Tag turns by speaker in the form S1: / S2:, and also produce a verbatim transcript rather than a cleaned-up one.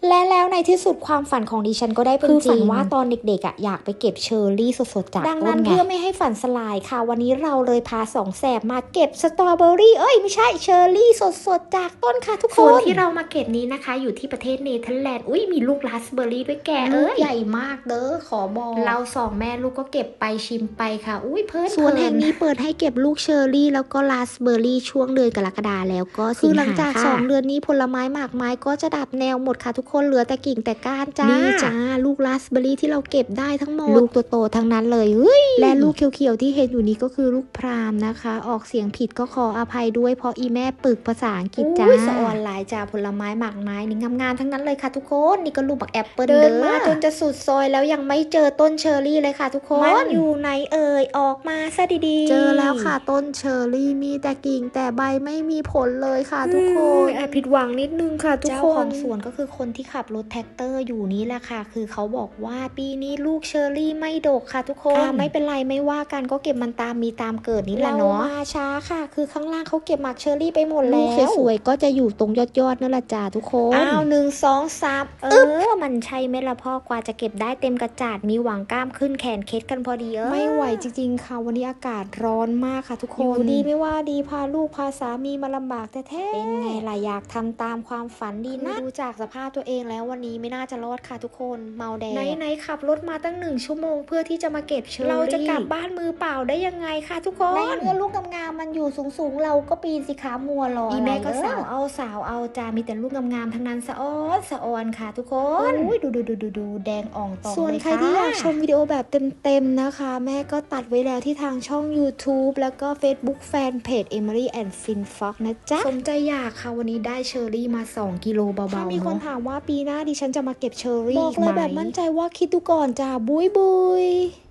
S1: และแล้วในที่สุดความฝันของดิฉันก็ได้เป็นจริงคือฝันว่าตอนเด็กๆอ่ะอยากไปเก็บเชอร์รี่สดๆจากต้นไงดังนั้นเพื่อไม่ให้ฝันสลายค่ะวันนี้เราเลยพาสองแสบมาเก็บสตรอเบอรี่เอ้ยไม่ใช่เชอร์รี่สดๆจากต้นค่ะทุกคนส่วนที่เรามาเก็บนี้นะคะอยู่ที่ประเทศเนเธอร์แลนด์อุ้ยมีลูกราสเบอร์รี่ด้วยแกเอ้ยใหญ่มากเด้อขอบอกเราสองแม่ลูกก็เก็บไปชิมไปค่ะอุ้ยเพิ่นส่วนแห่งนี้เปิดให้เก็บลูกเชอร์รี่แล้วก็ราสเบอร์รี่ช่วงเดือนกรกฎาแล้วก็สิงหาคือหลังจากสองเดือนนี้ผลไม้หมากไม้ก็จะดับแนวหมดค่ะทุกคนเหลือแต่กิ่งแต่ก้านจ้านี่จ้าลูกราสเบอร์รี่ที่เราเก็บได้ทั้งหมดลูกโตๆทั้งนั้นเลยเฮ้ยและลูกเขียวๆที่เห็นอยู่นี้ก็คือลูกพรามนะคะออกเสียงผิดก็ขออภัยด้วยเพราะอีแม่ปึกภาษาอังกฤษจ้าสะออนหลายจ้าผลไม้หมากไม้นี่งามๆทั้งนั้นเลยค่ะทุกคนนี่ก็ลูกบักแอปเปิลเดินมาจนจะสุดซอยแล้วยังไม่เจอต้นเชอร์รี่เลยค่ะทุกคนมันอยู่ไหนเอ่ยออกมาซะดีๆเจอแล้วค่ะต้นเชอร์รี่มีแต่กิ่งแต่ใบไม่มีผลเลยค่ะทุกคนแอบผิดหวังนิดนึงค่ะทุกคนเจ้าของสวนก็คือคนที่ขับรถแท็กเตอร์อยู่นี่แหละค่ะคือเขาบอกว่าปีนี้ลูกเชอร์รี่ไม่ดกค่ะทุกคนไม่เป็นไรไม่ว่ากันก็เก็บมันตามมีตามเกิดนี่แหละเนาะมาช้าค่ะคือข้างล่างเขาเก็บหมากเชอร์รี่ไปหมดแล้วลูกสวยๆก็จะอยู่ตรงยอดยอดนั่นแหละจ้าทุกคนอ้าวหนึ่งสองสามเออมันใช่ไหมล่ะพ่อกว่าจะเก็บได้เต็มกระจาดมีหวังกล้ามขึ้นแขนเคล็ดกันพอดีเออไม่ไหวจริงๆค่ะวันนี้อากาศร้อนมากค่ะทุกคนอยู่ดีไม่ว่าดีพาลูกพาสามีมาลำบากแท้ๆเป็นไงล่ะอยากทำตามความฝันดีนะดูจากสภาพตัวเองแล้ววันนี้ไม่น่าจะรอดค่ะทุกคนเมาแดดไหนๆขับรถมาตั้งหนึ่งชั่วโมงเพื่อที่จะมาเก็บเชอร์รี่เราจะกลับบ้านมือเปล่าได้ยังไงคะทุกคนในเมื่อลูกงามๆมันอยู่สูงๆเราก็ปีนสิขามัวรออีแม่ก็สาวเอาสาวเอาจามีแต่ลูกงามๆทั้งนั้นสะอ้อนสะออนค่ะทุกคนอุ้ยดูดูดูดูดูแดงอ่องตองส่วนใครที่อยากชมวิดีโอแบบเต็มๆนะคะแม่ก็ตัดไว้แล้วที่ทางช่อง YouTube แล้วก็ Facebook Fanpage Emily and Finfox นะจ๊ะสมใจอยากค่ะวันนี้ได้เชอร์รี่มาสองกิโลเบาๆถ้ามีคนถามว่าปีหน้าดิฉันจะมาเก็บเชอร์รี่บอกเลยแบบมั่นใจว่าคิดดูก่อนจ้าบุยบุย